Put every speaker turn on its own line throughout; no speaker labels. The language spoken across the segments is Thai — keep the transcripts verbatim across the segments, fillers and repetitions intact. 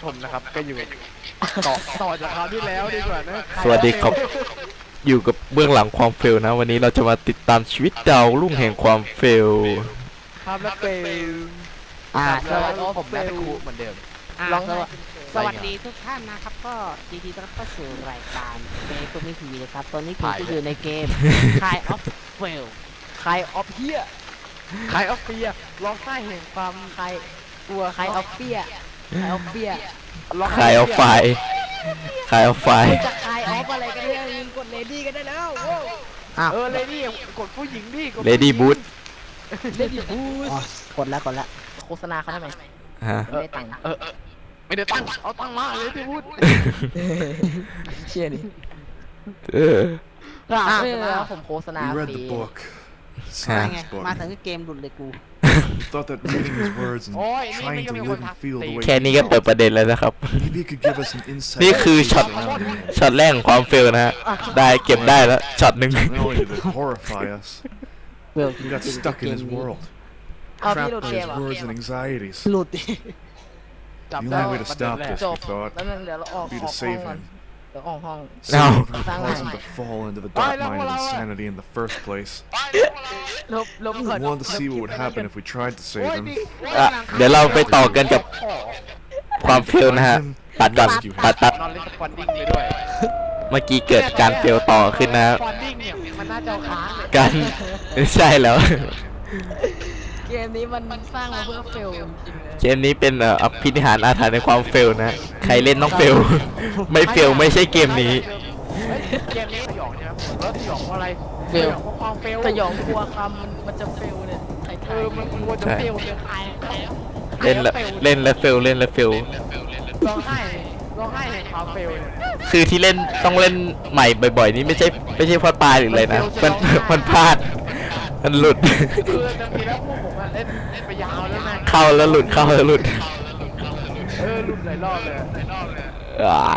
ชมนะครับก็อยู่ต่อต่อจากคราวที่แล้วดีกว่านะ
สวัสดีครับอยู่กับเบื้องหลังความเฟลนะวันนี้เราจะมาติดตามชีวิตดาวรุ่งแห่งความเฟล
ครับแล้วเป็น
อ่าส
สวั
วั
ส
ส
ดี
ดี
ผมนะครูเหมือนเดิม
อ่า
ลอง
สวัสดีสวัสดีทุกท่านนะครับก็ยินดีต้อนรับเข้าสู่รายการเกมตัวนี้ทีวีนะครับตอนนี้ผมก็อยู่ในเกม Kind of Fail
คายออฟเฮียคายออฟเฟียร้องไห้แห่งความ
ใครกลัวใครเอาเปียใครเอาเปีย
ร้อง
คายเอาไฟคายเอาไฟ
จะใครออฟอะไรกันเนี่ยยิงกดเลดี้กันได้แล้วโว้อ้าว
เออเลดี้กดผู้หญิงดิกด
เลดี้บูท
เลดี้บูสกดแล้วกดแล้วโฆษณาเขาทำไม
ฮะ
ไม่ได้ตังค์
เออเออไม่ได้ตั้งเอาตั้งมาเลดี้บูท
เชี่ยดิ
เออ
อ่าไม่แล้วผมโฆษณา
We
ฟ
read
รี
the book.
ใช่ไง
Science book.
มาถึงเกมหลุดเลยกู
We thought that reading his words and
โอ้ยนี่ไม่
trying
ก็
to
มี
live
คน
and
ทัก
feel the way
แค่นี้ก็เปิดประเด็นแล้วนะครับ
maybe he could give us an insight.
นี่คือช็อตช็อตแรกของความเฟลนะฮะได้เก็บได้แล้วช็อตหนึ่ง
Not only did it horrify us,
เวล
we got stuck in his world,
เอาพี่
trapped
หลุด
by
เกม
his
เหรอ
words and anxieties.
หลุดดิ
จับ
The
ได้
only way to stop this,
จ
we
บ
thought,
แล้วนึงเดี๋ยวเราออก
would be
อ
to
อกห้อง
save
ก่อน
him,
เดี๋ยวออกห้อง
No.
save him from
Bang,
causing
bang.
to fall into the
Bye,
dark
no,
mind of
no, no.
insanity in the first place.
ลบลบ
We
ก่อน
wanted to see what would happen if we tried to
โอ้
save
ย
him.
ดิ
อ่ะเดี๋ยวเราไปต่อกันกับความเฟลนะฮะตัดก่อนตัดตัด
นอนเล่นสปอนดิ้งไปด้วย
เมื่อกี้เกิดการเฟลต่อขึ้นนะ
สปอนดิ้งเนี่ยมันน่าจะเอาค้างเลย
กันใช่แล้ว
เกมนี้มันมันสร้างมาเพื่อเฟลจริงๆเลย
เกมนี้เป็นเอ่ออภินิหารอาถรรพ์ในความเฟลนะใครเล่นต้องเฟล ไม่เฟลไม่ใช่เกมนี้
เฮ้ยเกมนี้สยองใช่ไหมผมว่าสยองเพราะอะไร
เฟ
ส
ล
ยองเพราะความเฟล
สยองกลัวคำมันมันจะเฟลเนี่ยใคร
เอ
ทาย
อมันกลัวจะเฟลจะตาย
เล่นแล้วเล่นแล้วเฟลเล่นแล้วเฟล
ร้องไห้ร้องไห้ในความเฟลเนี่ย
คือที่เล่นต้องเล่นใหม่บ่อยๆ นี่ไม่ใช่ไม่ใช่เพราะตายหรืออะไรนะมันมันพลาดมันหลุด
คือจะมีแล้วพวกผมอะเล่นเล่นไปยาวแล้วนะ
เข้าแล้วหลุดเข้าแล้วหลุด
เออหลุดหลายรอบเลยหลายรอบเลย
อ้าย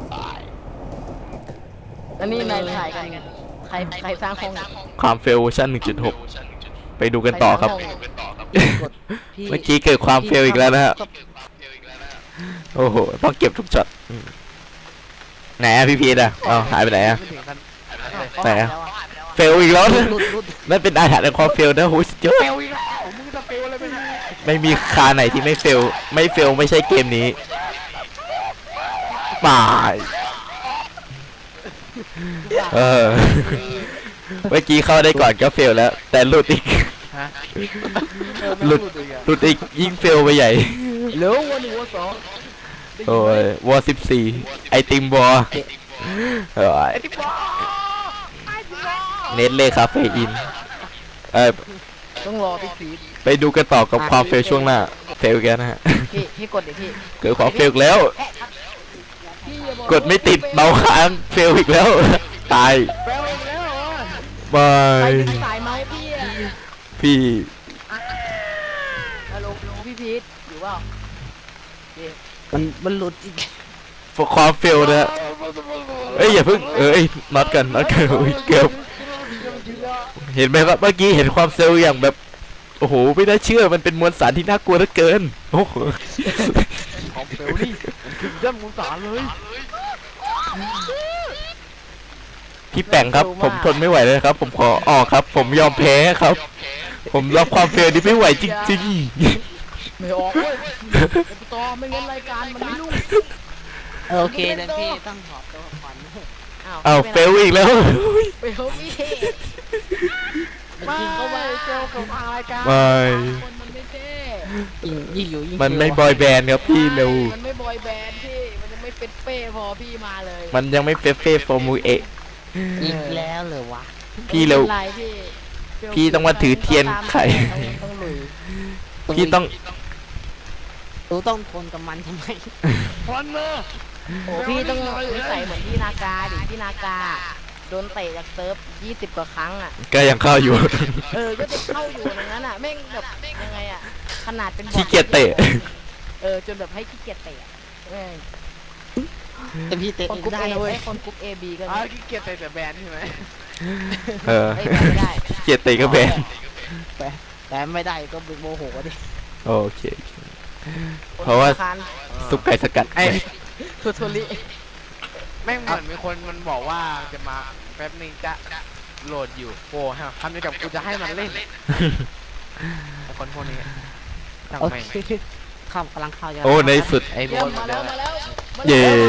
อันนี้นายถ่ายกันใครใครสร้างห้อง
ความเฟลเวอร์ชัน หนึ่งจุดหก ไปดูกันต่อครับ
กดพี่
เมื่อกี้เกิดความเฟลอีกแล้วนะฮะโอ้โหต้องเก็บทุกช็อตอืมไหนอะพี่พีทอะเอ้าหายไปไหนอะ
ไม่ถึงขั้น
ไหนอะ เฟลอีกแล้ว
หลุดหลุดหลุด
นั่นเป็นอาถรรพ์ในความเฟลนะโหสุดยอด
เฟลอีกแล้วมึงจะเฟลอะไรไปเนี่ย
ไม่มีคาไหนที่ไม่เฟลไม่เฟลไม่ใช่เกมนี้ป่ายเออเมื่อกี้เข้าได้ก่อนก็เฟลแล้ว แต่หลุดอีก
ฮะ
หลุด
อีกอะ
หลุดอีกยิ่งเฟลไปใหญ่
เหลือวันหนึ่งวันสอง
โอ้ยวอสิบสี่ไอติมบอเอ้ย
ไอ้ที่บ้าไอ้ที่บ้า
เน็ตเลยครับเฟอินเออ
ต้องรอพี่พีท
ไปดูกันต่อกับความเฟลช่วงหน้าเฟลแกนะฮะ
พี่พี่กดเดี๋ยวพี่
เกิดความเฟลแล้ว
พี่อย่าบอก
กดไม่ติดเบาค้างเฟลอีกแล้ว ตาย
เฟลอีกแล้วเหรอบ
า
ใคร
ย
เป็นสายเมาส์พี่อะ
พี่
ฮัลโหลพี่พีทอยู่เปล่ามันมันหลุดอีก
ความเฟลนะฮะเอ้ยอย่าเพิ่งเอ้ยน็อตกันน็อตกันอุ๊ยเกือบเห็นไหมครับเมื่อกี้เห็นความเซลล์อย่างแบบโอ้โหไม่น่าเชื่อมันเป็นมวลสารที่น่ากลัวเหลือเกินโอ้โห
ของเฟลนี่ถึงย่ำมูสารเลย
พี่แป่งครับผมทนไม่ไหวเลยครับ ผมขอออกครับ ผมยอมแพ้ครับ ผมรับความเฟลนี้ไม่ไหวจริง
ไม่ออกเว้ยต่อไม่งั้นรายการมันไม่รุ่งโอเคเดี๋ยวพี่ต้องถอดตัวก่อน
ๆอ้าวเฟลอีกแล้ว
เฟลพี่
ไม่
ยิงเข้ามา
เฟลของทางรายการ
ไม่
คนมันไม่เท่ยิงยิงอยู่ยิง
มันไม่บอยแบนด์ครับพี่เร็ว
มันไม่บอยแบนด์พี่มันยังไม่เป็นเป้พอพี่มาเลย
มันยังไม่เฟเฟ่โฟมูเอะ
อีกแล้วเหรอวะ
พี่เร็ว
ไม่ป็นไรพี่
พี่ต้องมาถือเทียนไข่
ต้องลุย
พี่ต้อง
รู้ต้องทนกับมันทำไม
พอนเนอร์
โอ้พี่ต้องนิสัยเหมือนพี่นากาดิพี่นากาโดนเตะจากเซิร์ฟยี่สิบกว่าครั้งอ่ะ
ก็ยังเข้าอยู่
เออ ก็จะเข้าอยู่อย่างนั้นอ่ะแม่งแบบยังไงอ่ะ ขนาดเป็นบอท
ขี้เกียจเตะ
เออ จนแบบให้ขี้เกียจเตะอะแม่งแต่พี่เตะคนกรุ๊ปเอเว้ยคนกรุ๊ปเอบีก็
อ้า
มี
วขี้เกียจเตะแต่แบนใช่ไหม
เออ
เอ้ยไม่ได้
ขี้เกียจเตะก็แบน
แต่แต่ไม่ได้ก็โมโหดิ
โอเคเพราะว่า
คาน
ซุปไก่สกัด
ไอ้
คือโทริ
แม่งเหมือนมีคนมันบอกว่าจะมาแป๊บนึงจะโหลดอยู่โอ้ฮะทำยังกับกูจะให้มันเล่นไอ้คนพวกนี้จัง
โอ
แม่ง
เคเข้ากำลังเข้าจะ
โอ้ในสุด
ไอ้โบนหมดแล้ว
เย้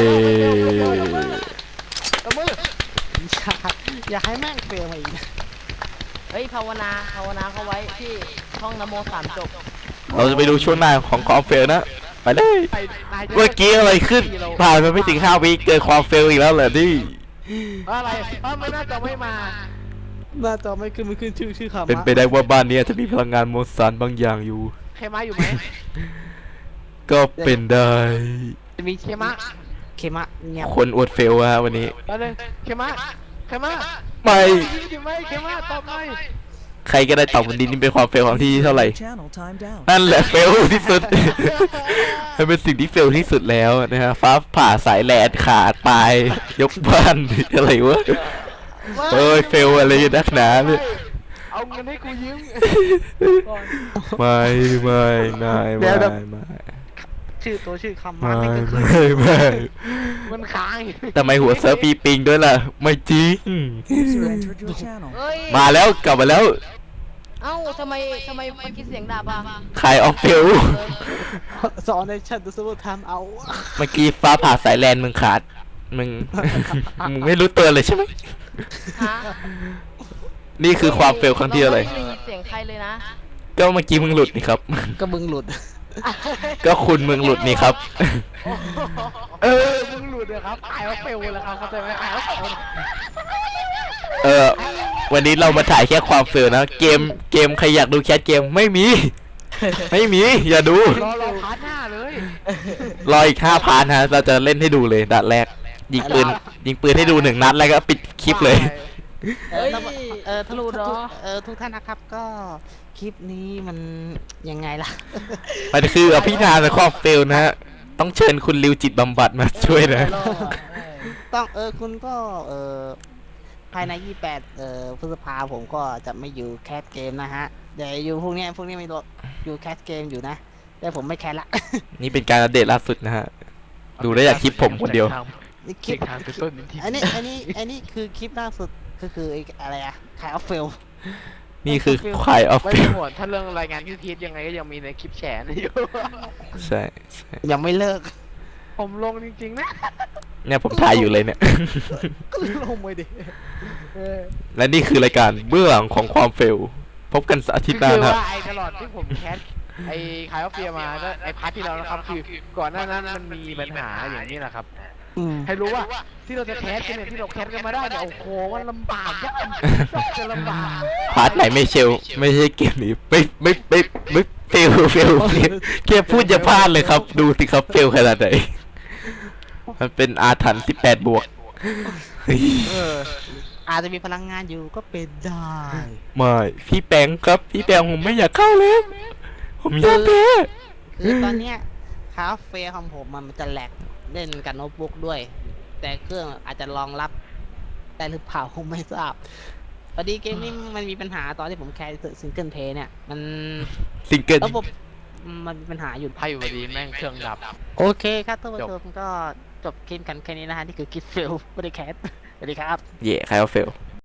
ตบมือ
อย่าอย่าให้แม่งเฟลมาอีกนะ
เฮ้ยภาวนาภาวนาเขาไว้ที่ท่องนโมสามจบ
เราจะไปดูช่วงหน้าของความเฟลนะ ไปเลย
ไปนายจะ
เมื่อกี้อะไรขึ้น ผ่านมาไม่ถึงห้าวิเกิดความเฟลอีกแล้วเหรอนี่
อะไรเอ้าไม่น่าจะไม่มา
หน้าจอไม่ขึ้นไม่ขึ้นชื่อชื่อคำ
เป็นไปได้ว่าบ้านเนี้จะมีพลังงานมวลสารบางอย่างอยู่
เคมาอยู่ไหม
ก็เป็นได้
จะมี
เคมา
เคมะเงียบ
คนอวดเฟลฮะวันนี้
ไปเลยเคมาเคมา
ไม่
อยู่ไหมเคมาตอบหน่อย
ใครก็ได้ตอบวันนี้นี่เป็นความเฟลของที่เท่าไหร่
Channel timed out.
นั่นแหละเฟลที่สุด มันเป็นสิ่งที่เฟลที่สุดแล้วนะฮะฟ้าผ่าสายแลนขาดตายยกบ้าน อะไรวะเอ้ยเฟลอะไรนักหนาเนี่ย
เอาเงินให้กูยืม
ไม่ไม่ไม่ไม่ไม่
ชื่อตัวชื่อคำ
ไม่
มันไม่ขึ้น
ไม่ไม่
มันค้างอยู่
ทำไมหัวเซิร์ฟปีปิงด้วยล่ะ ไม่จริง
User entered your channel.
เฮ้ย
มาแล้วกลับมาแล้ว
เอ้าทำไมทำไมเมื่อกี้เสียงดับอ่ะ
ขายออฟเฟล
สอนในชั้นตัวสมุดทำเอา
เมื่อกี้ฟ้าผ่าสายแลนมึงขาด มึง มึงไม่รู้ตัวเลยใช่ไหม
ฮะ
นี่คือความเฟลครั้งที่อะไร
เราไม่ได้ยินเสียงใครเลยนะ
ก็เมื่อกี้มึงหลุดนี่ครับ
ก็มึงหลุด
ก็คุณมึงหลุดนี่ครับ
เออมึงหลุดเลยครับอายว่าเฟลแล้วครับเข้าใจไหมอายว่าเฟล
เออ วันนี้เรามาถ่ายแค่ความเฟลนะ เกม เกมใครอยากดูแคสเกมไม่มี ไม่มี อย่าดู
รอรอพาร์ทหน้าเลย
รออีกห้าพาร์ทฮะ เราจะเล่นให้ดูเลยนัดแรก ยิงปืน ยิงปืนให้ดูหนึ่งนัดแล้วก็ปิดคลิปเลย
เฮ้ย
เออ
ทะลุเหรอ
เออทุกท่านนะครับก็คลิปนี้มันยังไงล่ะ
มันคืออภิธานในความเฟลนะฮะ ต้องเชิญคุณริวจิตบำบัดมาช่วยนะ
ต้องเออคุณก็เออภายในยี่สิบแปดเออพฤษภาผมก็จะไม่อยู่แคสเกมนะฮะเดี๋ยวอยู่พวกเนี้ยพวกนี้ไม่รอยู่แคสเกมอยู่นะแต่ผมไม่แคสละ
นี่เป็นการอัปเดตล่าสุดนะฮะ ดูได้จากคลิปผมคนเดียว
นี่ค
เก็
ลิ
บ
ป
ทางเป็นต้นนิดที
อันนี้อันนี้อันนี้คือคลิปล่าสุดก็คือไอ้อะไรอะขายออฟเฟล
นี่คือควายออฟ
ไม่
เฟ
ต้อ
ล
งห่วงถ้าเรื่องรายงานที่พีทยังไงก็ยังมีในคลิปแชร์อยู่
ใช่ใช่
ยังไม่เลิก
ผมลงจริงๆนะ
เนี่ยผมถ่ายอยู่เลยเนี่ย
ก็ลงไปดิ
และนี่คือรายการเบื้องหลังของความเฟล พบกันอาทิตย์หน้า
คือ
นะครับ
ว่าไอ้ตลอดที่ผมแคสไอ้ขายออฟเฟียมาก็ไอ้พาร์ทที่เรานะครับคือก่อนหน้านั้นมันมีปัญหาอย่างนี้แหละครับ
อืม
ให้รู้ว่าที่เราจะแคสกันเนี่ยที่เราแคสกันมาได้เนี่ยโอ้โหมันลำบากยากจะลำบาก
พาร์ทไหนไม่เชล ไม่ใช่เกมนี้ไม่ไม่ไม่ไม่เฟลเฟลเฟลแค่พูดจะพลาดเลยครับ ดูสิครับเฟลขนาดไหน มันเป็นอาถรรพ์สิบแปดบวกเฮ้ย
เออ
อาจจะมีพลังงานอยู่ก็เป็นได้
ไม่พี่แปงครับ พี่แปงผมไม่อยากเข้าเลยผมอยากแพ้
คือตอนเนี้ยคาเฟ่ของผมมันจะแหลกเล่นกับโน้ตบุ๊กด้วย แต่เครื่องอาจจะรองรับได้หรือเปล่าคงไม่ทราบพอดีเกมนี้มันมีปัญหาตอนที่ผมแคสซิงเกิลเพลย์เนี่ยมัน
ซิงเกิล
ระบบมันมีปัญหาอยู่
ไพ่อยู่ดีแม่งเครื่องดับ
โอเคครับท่านผู้
จบ
ชมก็จบคลิปกันแค่นี้นะฮะนี่คือคลิปเฟลไม่ได้แคสสวัสดีครับ
เย่ใครเอาเฟล
ส